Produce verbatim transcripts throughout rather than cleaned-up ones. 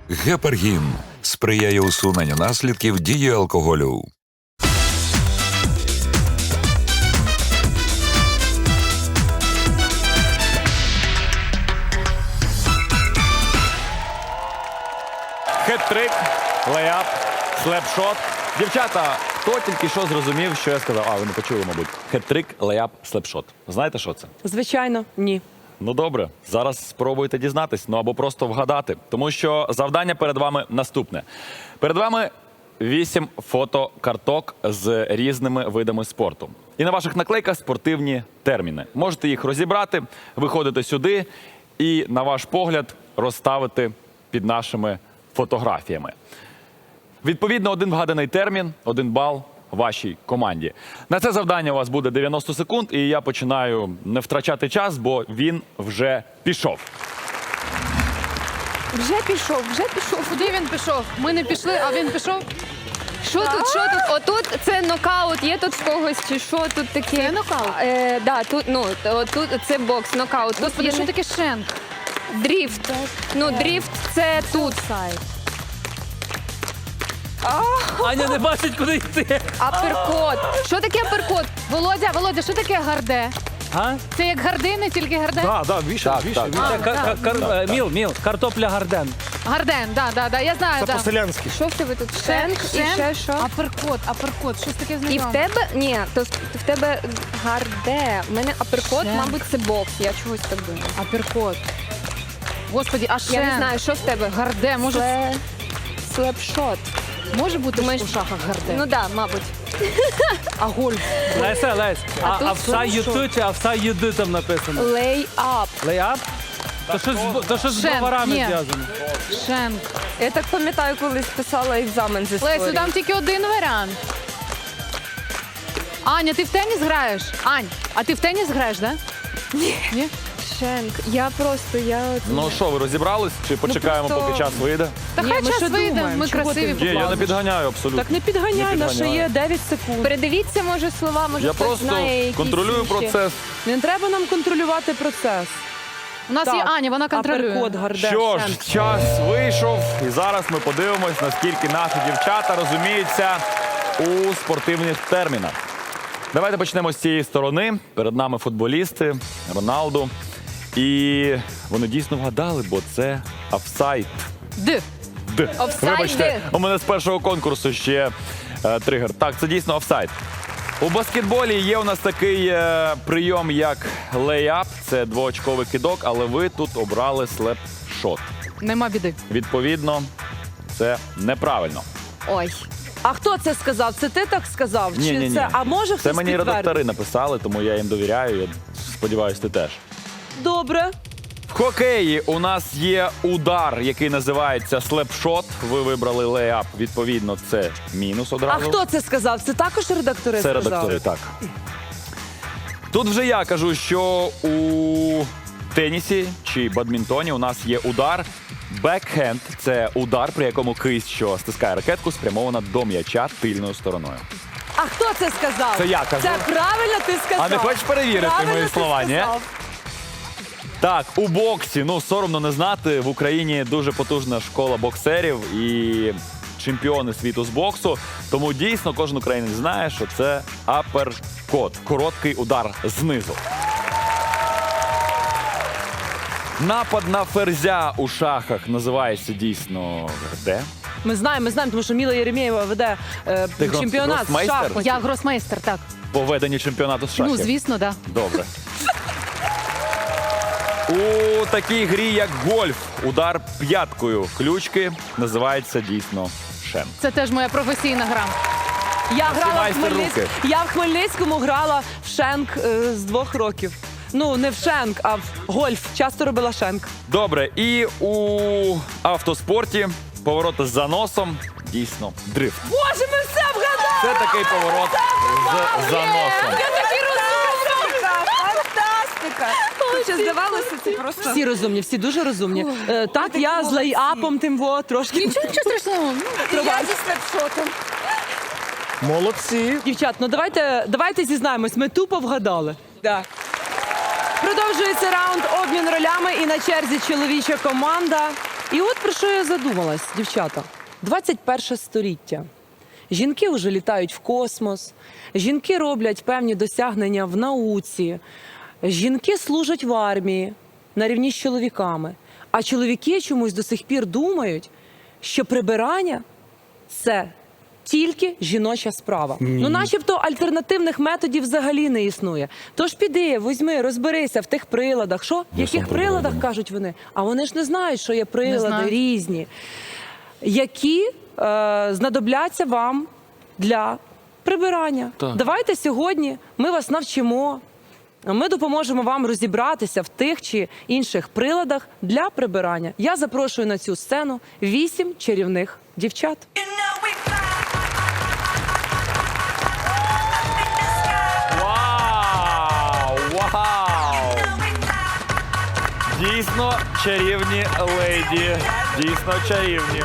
Гепаргін сприяє усуненню наслідків дії алкоголю. Хет-трик, лейап, слепшот. Дівчата, хто тільки що зрозумів, що я сказав? А, ви не почули, мабуть. Хет-трик, лейап, слепшот. Знаєте, що це? Звичайно, ні. Ну добре, зараз спробуйте дізнатись, ну або просто вгадати. Тому що завдання перед вами наступне. Перед вами вісім фотокарток з різними видами спорту. І на ваших наклейках спортивні терміни. Можете їх розібрати, виходити сюди і, на ваш погляд, розставити під нашими фотографіями. Відповідно, один вгаданий термін, один бал вашій команді. На це завдання у вас буде дев'яносто секунд, і я починаю не втрачати час, бо він вже пішов. Вже пішов, вже пішов. Куди він пішов? Ми не пішли, а він пішов. Що тут, що тут? Отут це нокаут, є тут в когось, чи що тут таке? Це нокаут? Е, да, тут, ну, тут це бокс, нокаут. Тут Господи, є що не- таке шенк? дріфт. Ну, дріфт це тут. Аня не бачить, куди йти. Аперкот. Що таке аперкот? Володя, Володя, що таке гарде? А? Це як гардини, тільки гарден? Так, так, вішай, Так, вішай. так. вішай. Це кар- кар- кар- е, міл, міл, картопля гарден. Гарден, да, да, да, я знаю, Це да. по-селянськи. Що в тебе тут? Шенк і Шенк, ще що? Аперкот, аперкот, щось таке І в знайоме. тебе, ні, то в тебе гарде. У мене аперкот, Шенк. мабуть, це бокс. Я чогось так думаю. Аперкот. Господи, а шенк? Я не знаю, що в тебе? Гарде, може, Сле... Слепшот. може бути Думаєш- у шахах гарде? Ну так, да, мабуть. а гольф? Леся, Лесь, а, тут а вса що? юту чи а вса юди там написано? Лей-ап. Лейап? То щось, з- то щось з Шен, броварами ні. зв'язано. Шенк. Я так пам'ятаю, колись писала екзамен з історії. Лесю, там тільки один варіант. Аня, ти в теніс граєш? Ань, а ти в теніс граєш, да? Ні. Шенк. Я просто, я... Ну що, ви розібрались? Чи почекаємо, просто- поки час вийде? Та Ні, хай ми час ще вийде, думаємо, ми чого красиві ти- Ні, я не поплавимо. підганяю абсолютно. Так не підганяй, Не на ще підганяю. є дев'ять секунд. Передивіться, може, слова, може, Я хтось просто знає якісь контролюю інші. процес. Не треба нам контролювати процес. У нас є Аня, вона контролює. Аперкот, гарде, Що ж, шенк. час вийшов, і зараз ми подивимось, наскільки наші дівчата розуміються у спортивних термінах. Давайте почнемо з цієї сторони. Перед нами футболісти, Роналду. І вони дійсно вгадали, бо це офсайд. Д. Д. Офсайд Вибачте, Д. у мене з першого конкурсу ще е, тригер. Так, це дійсно офсайд. У баскетболі є у нас такий е, прийом, як лейап. Це двоочковий кидок, але ви тут обрали слепшот. Нема біди. Відповідно, це неправильно. Ой. А хто це сказав? Це ти так сказав? Ні, Чи ні, ні. це? А може хтось Це мені підтвердить? редактори написали, тому я їм довіряю. Я сподіваюся, ти теж. Добре. В хокеї у нас є удар, який називається слепшот. Ви вибрали лейап, відповідно, це мінус А одразу. хто це сказав? Це також редактори Це сказали? редактори, так. Тут вже я кажу, що у тенісі чи бадмінтоні у нас є удар. Бекхенд – це удар, при якому кисть, що стискає ракетку, спрямована до м'яча тильною стороною. А хто це сказав? Це я кажу. Це правильно ти сказав. А не хочеш перевірити Правильно мої ти слова, ні? сказав. Так, у боксі, ну соромно не знати, в Україні дуже потужна школа боксерів і чемпіони світу з боксу. Тому дійсно кожен українець знає, що це аперкот, короткий удар знизу. Напад на ферзя у шахах називається дійсно де? Ми знаємо, ми знаємо, тому що Міла Єремєєва веде е, Ти грос- чемпіонат з гросмейстер? шахматів. Я гросмейстер, так. По веденню чемпіонату з шахів. Ну, звісно, да. Добре. У такій грі, як гольф, удар п'яткою ключки називається дійсно шен. Це теж моя професійна гра. Я грала в майстер Хмельниць- руки. Я в Хмельницькому грала в шенк е, з двох років. Ну, не в шенк, а в гольф. Часто робила шенк. Добре, і у автоспорті повороти з заносом дійсно дрифт. Боже, ми все вгадали! Це такий поворот з заносом. Фантастика! Хоча здавалося, це просто... Всі розумні, всі дуже розумні. Е, так, я з лейапом тим во трошки. Нічого, нічого страшного. Ну, Я зі слепшотом. Молодці. Дівчат, ну давайте, давайте зізнаємось, ми тупо вгадали. Да. Продовжується раунд обмін ролями і на черзі чоловіча команда. І от про що я задумалась, дівчата. двадцять перше століття. Жінки вже літають в космос, жінки роблять певні досягнення в науці, жінки служать в армії на рівні з чоловіками. А чоловіки чомусь до сих пір думають, що прибирання – це тільки жіноча справа. Ну, начебто альтернативних методів взагалі не існує. Тож піди, візьми, розберися в тих приладах. Що? В яких приладах, кажуть вони? А вони ж не знають, що є прилади знають. різні, які е, знадобляться вам для прибирання. Давайте сьогодні ми вас навчимо. Ми допоможемо вам розібратися в тих чи інших приладах для прибирання. Я запрошую на цю сцену вісім чарівних дівчат. Вау! Вау! Дійсно чарівні леді. Дійсно чарівні.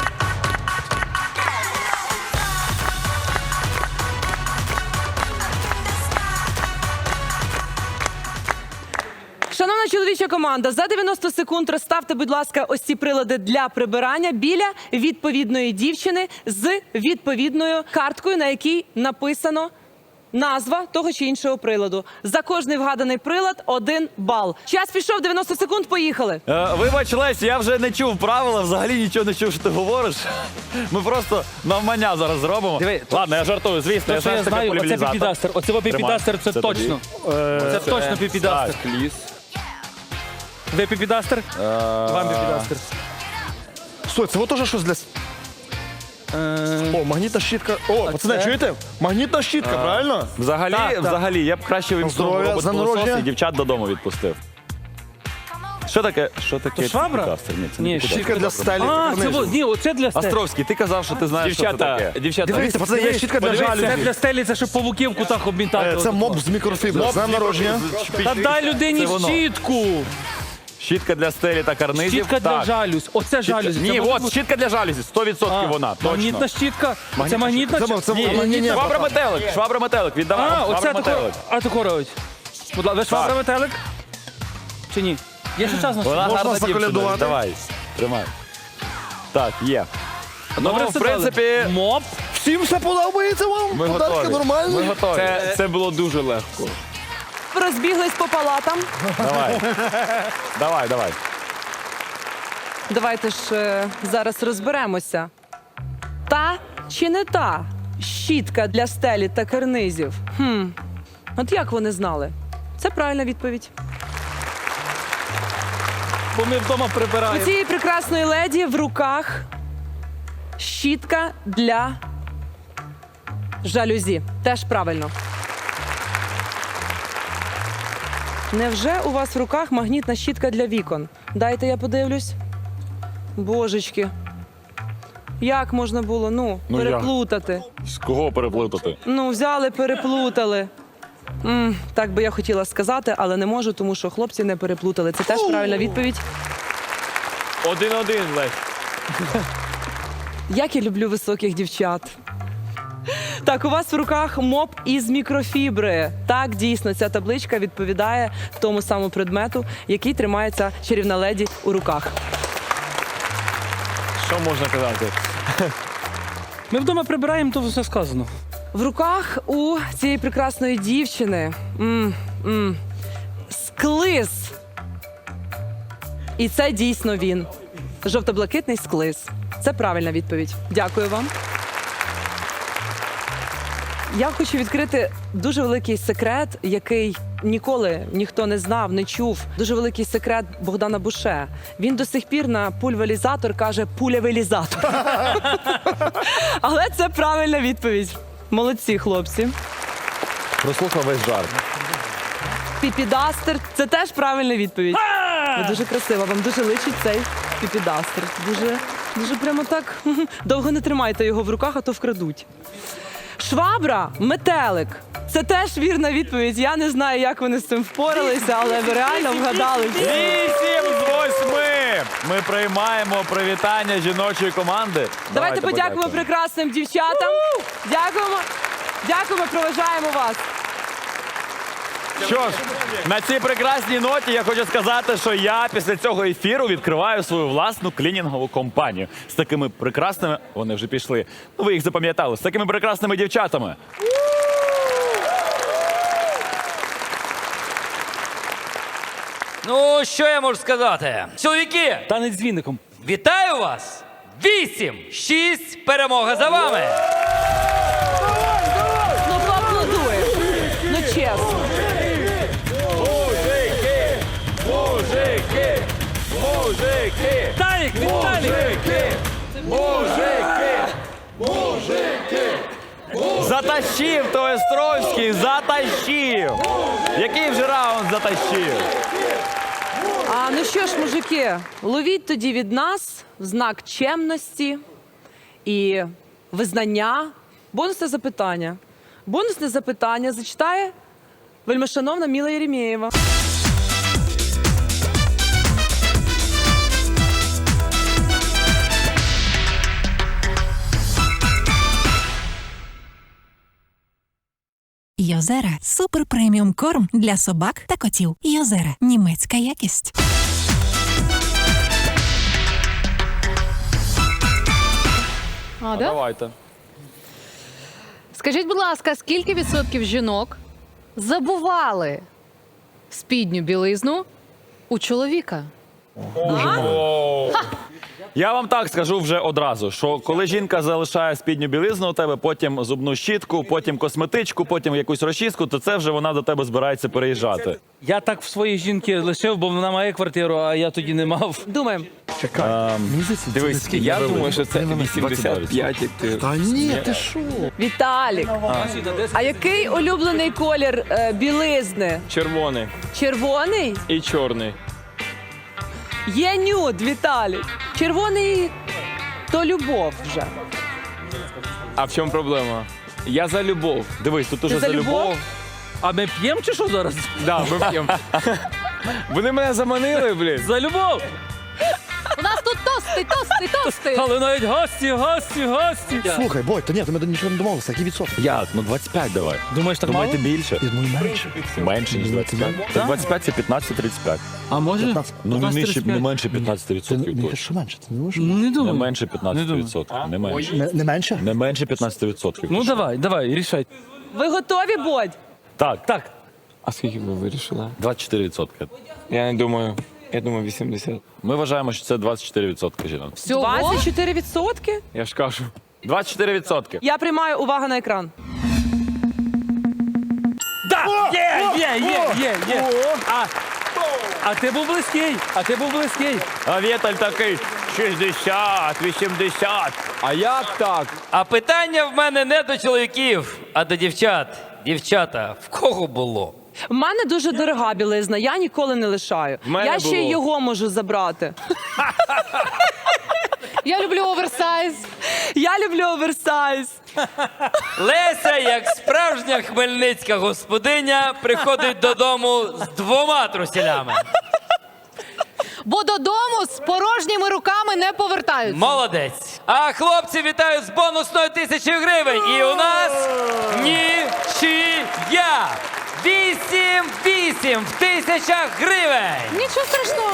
Шановна чоловіча команда, за дев'яносто секунд розставте, будь ласка, ось ці прилади для прибирання біля відповідної дівчини з відповідною карткою, на якій написано назва того чи іншого приладу. За кожний вгаданий прилад – один бал. Час пішов, дев'яносто секунд, поїхали. Е, вибач, Лесь, я вже не чув правила, взагалі нічого не чув, що ти говориш. Ми просто навмання зараз зробимо. Диви, то- Ладно, я жартую, звісно. Те, що знаю, я що таке знаю, оце поляризатор. піпідастер. Оце во піпідастер, це Це тобі. точно. Це точно піпідастер. Так, ліс. Ви піпідастер? Вам піпідастер. Стой, це вот теж щось для... с- О, магнітна щітка. О, пацани, це? чуєте? Магнітна щітка, правильно? Взагалі, Так, так. взагалі, я б краще вимкнув Здоров'я, робот за пилосос народження. і дівчат додому відпустив. Що таке? Що таке? То швабра? піпідастер? Ні, це Ні, не піпідастер. Щітка для стелі. А, це Карнизів. во- ні, оце для стелі. Островський, ти казав, що ти знаєш, що це таке. дівчата. Дивіться, пацани, є щітка для Подивись, це жалюзі. для стелі, це щоб павуків в кутах обмітати. Е, Це моп з мікрофібри. З днем народження. Та дай Це людині воно. щітку. Щітка для стелі та карнизів. Щітка для Так. жалюзь. Оце жалюзі. Ні, Це може от, бути- щітка для жалюзі, сто відсотків А, вона, Магнітна точно. щітка. Це магнітна Це, чи- це, Ні, ні, ні, ні. швабра метелик, швабра метелик, віддавай. А, швабра оце тако. метелик. А тако робить. Будь ласка, ви швабра метелик? Чи ні? Є ще час на Вона Можна гарна дівчина, заколядувати? давай, тримай. Так, є. Добре, Ну, в все принципі, дали. Моп. Всім все подобається вам? ми Подарки готові. нормальні? Ми готові. Це, це було дуже легко. Розбіглись по палатам. Давай. Давай, давай. Давайте ж е, зараз розберемося. Та чи не та щітка для стелі та карнизів? Хм. От як вони знали? Це правильна відповідь. Бо ми вдома У прибираємо. цієї прекрасної леді в руках щітка для жалюзі. Теж правильно. Невже у вас в руках магнітна щітка для вікон? Дайте я подивлюсь. Божечки. Як можна було, ну, Ну, як? переплутати? З кого переплутати? Ну, взяли, переплутали. м так би я хотіла сказати, але не можу, тому що хлопці не переплутали. Це теж правильна відповідь. Один-один, Лесь. Як я люблю високих дівчат. Так, у вас в руках моп із мікрофібри. Так, дійсно, ця табличка відповідає тому самому предмету, який тримається чарівна леді у руках. Що можна казати? Ми вдома прибираємо, то все сказано. В руках у цієї прекрасної дівчини м, м, склиз. І це дійсно він. Жовто-блакитний склиз. Це правильна відповідь. Дякую вам. Я хочу відкрити дуже великий секрет, який ніколи ніхто не знав, не чув. Дуже великий секрет Богдана Буше. Він до сих пір на пульверізатор каже пулявелізатор. Але це правильна відповідь. Молодці, хлопці. Прослухав весь жарт. Піпідастер – це теж правильна відповідь. Ви дуже красиво, вам дуже личить цей піпідастер. Дуже, дуже прямо так. Довго не тримайте його в руках, а то вкрадуть. Швабра, метелик. Це теж вірна відповідь. Я не знаю, як вони з цим впоралися, але ви реально вгадали. Вісім з восьми! Ми приймаємо привітання жіночої команди. Давайте подякуємо прекрасним дівчатам. Дякуємо. Дякуємо, проважаємо вас. Що ж, на цій прекрасній ноті я хочу сказати, що я після цього ефіру відкриваю свою власну клінінгову компанію. З такими прекрасними, вони вже пішли, ну ви їх запам'ятали, з такими прекрасними дівчатами. Ну, що я можу сказати? Чоловіки, Танець з віником. вітаю вас! Вісім, шість, перемога за вами! Ну поаплодуєш. Ну чесно. Мужики! Мужики! Мужики! Віталік, Віталік! Мужики! Мужики! Затащив то Островський, затащив! Який вже раунд затащив? А ну що ж, мужики, ловіть тоді від нас в знак чемності і визнання. Бонусне запитання. Бонусне запитання зачитає вельмишановна Міла Єремєєва. Йозера – супер преміум корм для собак та котів. Йозера – німецька якість. А, да? Давайте. Скажіть, будь ласка, скільки відсотків жінок забували спідню білизну у чоловіка? Я вам так скажу вже одразу, що коли жінка залишає спідню білизну у тебе, потім зубну щітку, потім косметичку, потім якусь розчіску, то це вже вона до тебе збирається переїжджати. Я так в своїй жінки лишив, бо вона має квартиру, а я тоді не мав. Думаємо. Дивись, Я думаю, що це вісімдесят п'ять. Та ні, ти що? Віталік, а який улюблений колір е, білизни? Червоний Червоний? і чорний. Є нюд, Віталік. Червоний то любов вже. А в чому проблема? Я за любов. Дивись, тут уже за за любов. любов? А ми п'ємо чи що зараз? Да, ми п'ємо. Вони мене заманили, блін. За любов! У нас тут тости, тости, тости. Але навіть гості, гості, гості. Слухай, Бой, та ні, ти мене нічого не домовився, які відсотки? Як? Ну двадцять п'ять давай. Думаєш, так мало? Думаєте більше? Я думаю, менше. Менше, ніж двадцять п'ять. Так двадцять п'ять це п'ятнадцять тридцять п'ять. А може? Ну не, нижче, не менше Ти п'ятнадцять не відсотків ти точно. що менше? Ти не можеш? Не Не думаю. менше п'ятнадцять відсотків. Не менше. Не, не менше? Не менше п'ятнадцять відсотків. Ну давай, давай, рішай. Ви готові, Бодь? Так, Так, А скільки ви вирішили? двадцять чотири відсотки. Я не думаю. Я думаю, вісімдесят. Ми вважаємо, що це двадцять чотири відсотки жінок. Всього? двадцять чотири відсотки? Я ж кажу. двадцять чотири відсотки. Я приймаю увагу на екран. да! Є, є, є, є, є. А, а ти був близький, а ти був близький. А Віталь такий шістдесят, вісімдесят. А як так? А питання в мене не до чоловіків, а до дівчат. Дівчата, в кого було? У мене дуже дорога білизна, я ніколи не лишаю. мене Я ще й було. його можу забрати. Я люблю оверсайз. Я люблю оверсайз. Леся, як справжня хмельницька господиня, приходить додому з двома труселями. Бо додому з порожніми руками не повертаються. Молодець. А хлопці вітають з бонусною тисячі гривень. І у нас нічия. Вісім вісім в тисячах гривень. Нічого страшного.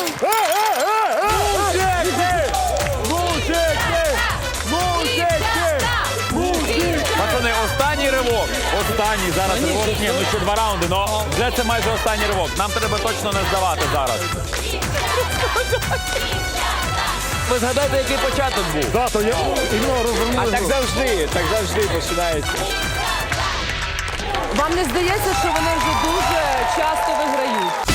Пацани, останній ривок. Останній зараз ривок. Ні, ну ще два раунди, но вже це майже останній ривок. Нам треба точно не здавати зараз. Ви згадайте, який початок був. Да, то я іменно розвернули. А так завжди, так завжди починається. Вам не здається, що вони вже дуже часто виграють?